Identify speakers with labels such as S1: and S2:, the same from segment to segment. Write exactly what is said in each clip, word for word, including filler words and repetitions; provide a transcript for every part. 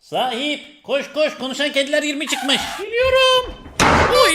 S1: Sahip koş koş, konuşan kediler yirmi çıkmış.
S2: Biliyorum. Oy.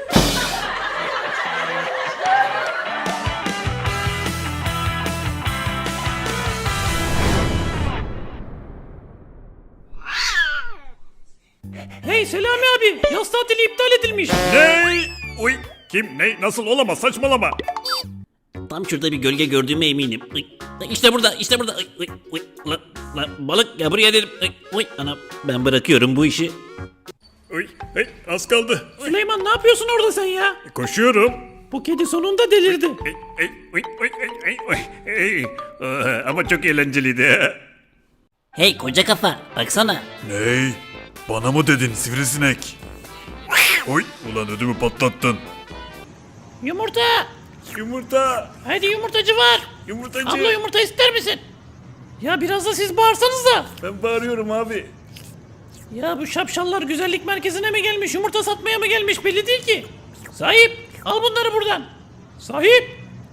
S2: Hey Selami abi, yaz tatili iptal edilmiş.
S3: Ne? Uy, kim, ne, nasıl, olamaz, saçmalama.
S1: Tam şurada bir gölge gördüğüme eminim. Uy, İşte burada, işte burada. Uy, uy, uy. Lan, lan, balık ya, buraya dedim. Uy, uy. Ana, ben bırakıyorum bu işi.
S3: Uy, hey, az kaldı.
S2: Süleyman, ne yapıyorsun orada sen ya?
S3: Koşuyorum.
S2: Bu kedi sonunda delirdi.
S3: Ey, ey, uy, uy, ey, ey, uy, ey. Aa, ama çok eğlenceliydi.
S1: Hey koca kafa, baksana.
S3: Ney? Bana mı dedin sivrisinek? Oy, ulan ödümü patlattın.
S2: Yumurta.
S3: Yumurta,
S2: Hadi yumurtacı var.
S3: yumurtacı.
S2: Abla yumurta ister misin? Ya biraz da siz bağırsanız da.
S3: Ben bağırıyorum abi.
S2: Ya bu şapşallar güzellik merkezine mi gelmiş, yumurta satmaya mı gelmiş belli değil ki. Sahip, al bunları buradan. Sahip.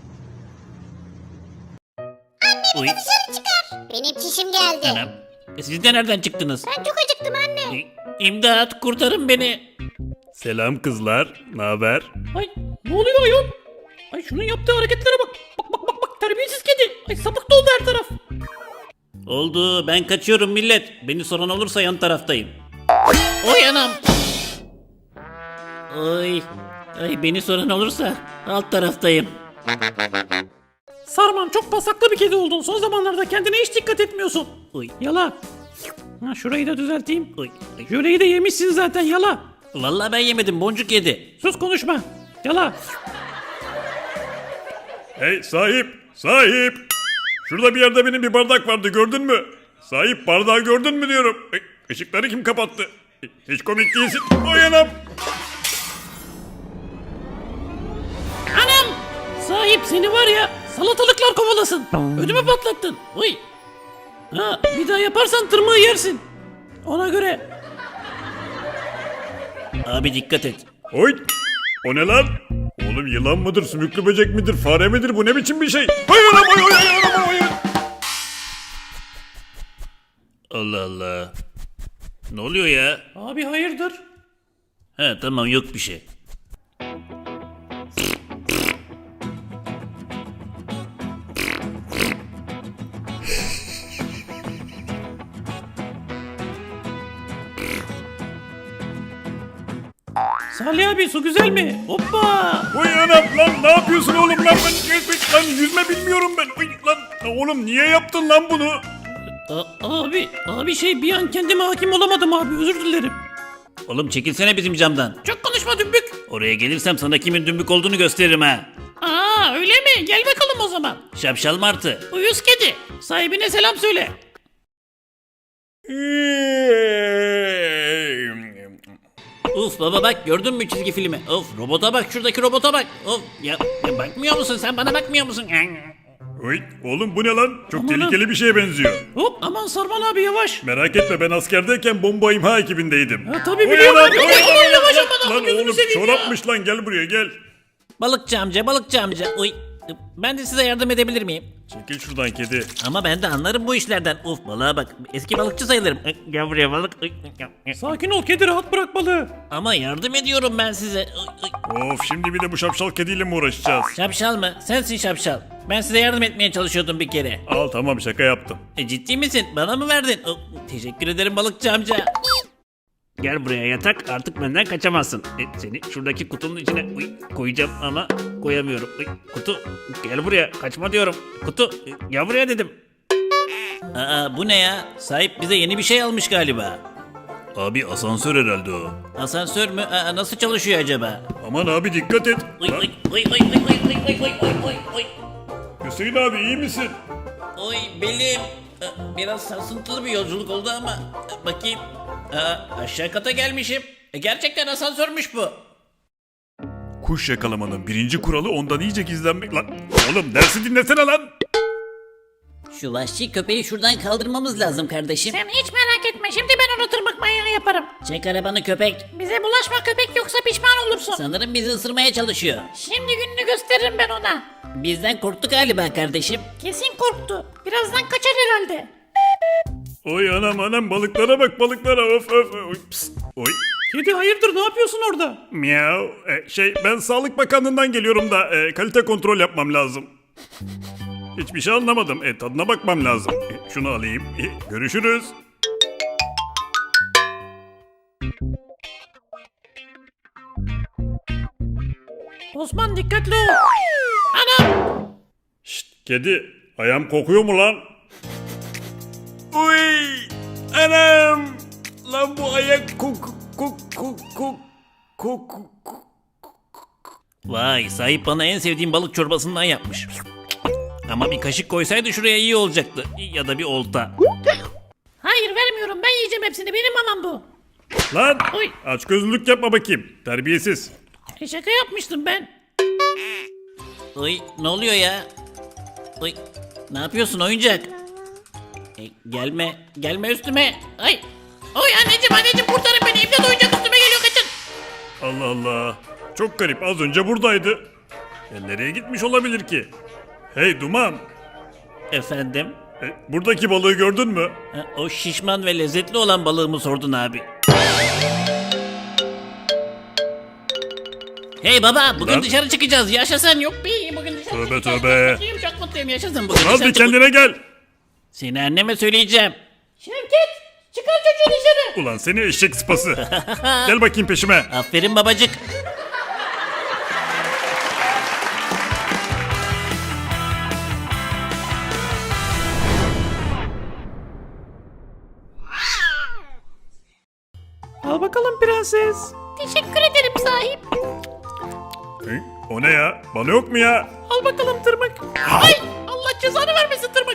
S1: Uy.
S4: Benim çişim geldi.
S1: Anam. E, siz de nereden çıktınız?
S4: Ben çok acıktım anne.
S1: E, İmdat, kurtarın beni.
S3: Selam kızlar, ne haber?
S2: Ay ne oluyor ayol? Ay şunun yaptığı hareketlere bak. Bak bak bak bak, terbiyesiz kedi. Ay sapık doldu her taraf.
S1: Oldu, ben kaçıyorum millet. Beni soran olursa yan taraftayım. Oy anam. Oy. Ay, beni soran olursa alt taraftayım.
S2: Sarman, çok pasaklı bir kedi oldun. Son zamanlarda kendine hiç dikkat etmiyorsun.
S1: Oy.
S2: Yala. Ha, şurayı da düzelteyim.
S1: Oy. Ay.
S2: Jöleyi de yemişsin zaten, yala.
S1: Vallahi ben yemedim, boncuk yedi.
S2: Sus, konuşma. Yala.
S3: Hey sahip, sahip. Şurada bir yerde benim bir bardak vardı, gördün mü? Sahip, bardağı gördün mü diyorum. Ey, ışıkları kim kapattı? Hiç komik değilsin. Oy anam.
S2: Anam! Sahip seni var ya, salatalıklar kovalasın. Ödümü patlattın. Oy. Ha, bir daha yaparsan tırmığı yersin. Ona göre.
S1: Abi dikkat et.
S3: Oy. O ne lan? Oğlum yılan mıdır, sümüklü böcek midir, fare midir? Bu ne biçim bir şey? Hayır anam, hayır, hayır, hayır, hayır.
S1: Allah Allah. Ne oluyor ya?
S2: Abi hayırdır?
S1: He tamam, yok bir şey.
S2: Salih abi, su güzel mi? Hoppa!
S3: Oy anam, lan ne yapıyorsun oğlum lan? Ben lan yüzme bilmiyorum ben. Oy, lan oğlum niye yaptın lan bunu?
S2: A- abi, abi şey bir an kendime hakim olamadım abi, özür dilerim.
S1: Oğlum çekilsene bizim camdan.
S2: Çok konuşma dümbük.
S1: Oraya gelirsem sana kimin dümbük olduğunu gösteririm ha.
S2: Aa öyle mi? Gel bakalım o zaman.
S1: Şapşal martı.
S2: Uyuz kedi. Sahibine selam söyle.
S1: Uf baba bak, gördün mü çizgi filmi? Of, robota bak, şuradaki robota bak. Of ya, ya bakmıyor musun sen, bana bakmıyor musun?
S3: Oy oğlum bu ne lan? Çok
S2: Aman
S3: tehlikeli bir şeye benziyor.
S2: Hop, aman Sarman abi yavaş.
S3: Merak etme, ben askerdeyken bomba imha ekibindeydim.
S2: Ha, tabii
S3: Oy
S2: biliyorum
S3: anam,
S2: abi.
S3: oy,
S2: Aman
S3: oy,
S2: yavaş
S3: lan,
S2: aman,
S3: lan
S2: gözünü
S3: oğlum
S2: seveyim ya.
S3: çorapmış lan, gel buraya gel.
S1: Balıkçı amca, balıkçı amca. Uy, ben de size yardım edebilir miyim?
S3: Çekil şuradan kedi.
S1: Ama ben de anlarım bu işlerden. Uf balığa bak, eski balıkçı sayılırım. Ay, gel buraya balık. Ay, ay.
S2: Sakin ol kedi, rahat bırak balığı.
S1: Ama yardım ediyorum ben size. Ay, ay.
S3: Of, şimdi bir de bu şapşal kediyle mi uğraşacağız?
S1: Şapşal mı? Sensin şapşal. Ben size yardım etmeye çalışıyordum bir kere.
S3: Al tamam, şaka yaptım.
S1: E, ciddi misin? Bana mı verdin? Oh, teşekkür ederim balıkçı amca. Gel buraya yatak, artık benden kaçamazsın. E, seni şuradaki kutunun içine uy, koyacağım ama koyamıyorum. Uy, kutu, gel buraya, kaçma diyorum. Kutu, e, gel buraya dedim. Aa, bu ne ya? Sahip bize yeni bir şey almış galiba.
S3: Abi asansör herhalde o.
S1: Asansör mü? Aa, nasıl çalışıyor acaba?
S3: Aman abi dikkat et.
S1: Uy,
S3: Lan,
S1: uy, uy, uy, uy, uy, uy, uy, uy, uy, uy.
S3: Hüseyin abi iyi misin?
S1: Oy belim. Ee, Biraz sarsıntılı bir yolculuk oldu ama e, bakayım. Aa, aşağı kata gelmişim. E, gerçekten asansörmüş bu.
S3: Kuş yakalamanın birinci kuralı ondan iyice gizlenmek lan. Oğlum dersi dinlesene lan.
S1: Şu vahşi köpeği şuradan kaldırmamız lazım kardeşim.
S2: Sen hiç merak etme, şimdi ben onu tırmık manyağı yaparım.
S1: Çek arabanı köpek.
S2: Bize bulaşma köpek, yoksa pişman olursun.
S1: Sanırım bizi ısırmaya çalışıyor.
S2: Şimdi gününü gösteririm ben ona.
S1: Bizden korktu galiba kardeşim.
S2: Kesin korktu. Birazdan kaçar herhalde.
S3: Oy anam anam balıklara bak balıklara of of. Oy, pst, oy.
S2: Kedi hayırdır ne yapıyorsun orada?
S3: Miau. E, şey ben Sağlık Bakanlığı'ndan geliyorum da e, kalite kontrol yapmam lazım. Hiçbir şey anlamadım. E, tadına bakmam lazım. E, şunu alayım. E, görüşürüz.
S2: Osman dikkatli ol. Anam.
S3: Şşt kedi. Ayağım kokuyor mu lan? Uy. Anam. Lan bu ayak kok kok kok kok kok kok.
S1: Vay, sahip bana en sevdiğim balık çorbasından yapmış. Ama bir kaşık koysaydı şuraya iyi olacaktı. Ya da bir olta.
S2: Hayır vermiyorum ben yiyeceğim hepsini benim mamam bu.
S3: Lan
S2: Oy.
S3: aç gözlülük yapma bakayım. Terbiyesiz.
S2: E şaka yapmıştım ben.
S1: Oy, ne oluyor ya? Oy, ne yapıyorsun oyuncak? E, gelme, gelme üstüme.
S2: Ay. Oy anneciğim anneciğim kurtarın beni imdat oyuncak üstüme geliyor kaçın.
S3: Allah Allah. Çok garip az önce buradaydı. Ya nereye gitmiş olabilir ki? Hey Duman.
S1: Efendim?
S3: e, buradaki balığı gördün mü?
S1: Ha, o şişman ve lezzetli olan balığımı sordun abi. Hey baba, bugün
S3: Lan.
S1: dışarı çıkacağız. Yaşasın. Yok
S2: Yok bir bugün dışarı
S3: Tövbe
S2: çıkacağız.
S3: tövbe.
S2: Çok mutluyum çok mutluyum yaşasın.
S1: Bugün
S3: Al
S1: dışarı
S3: bir
S1: çık-
S3: kendine gel.
S1: Seni anneme söyleyeceğim.
S2: Şevket çıkar çocuğu dışarı.
S3: Ulan seni eşek sıpası. Gel bakayım peşime.
S1: Aferin babacık.
S2: Al bakalım prenses. Teşekkür ederim sahip.
S3: Hı? O ne ya? Bana yok mu ya?
S2: Al bakalım tırmık. Ay Allah cezanı vermesin tırmık.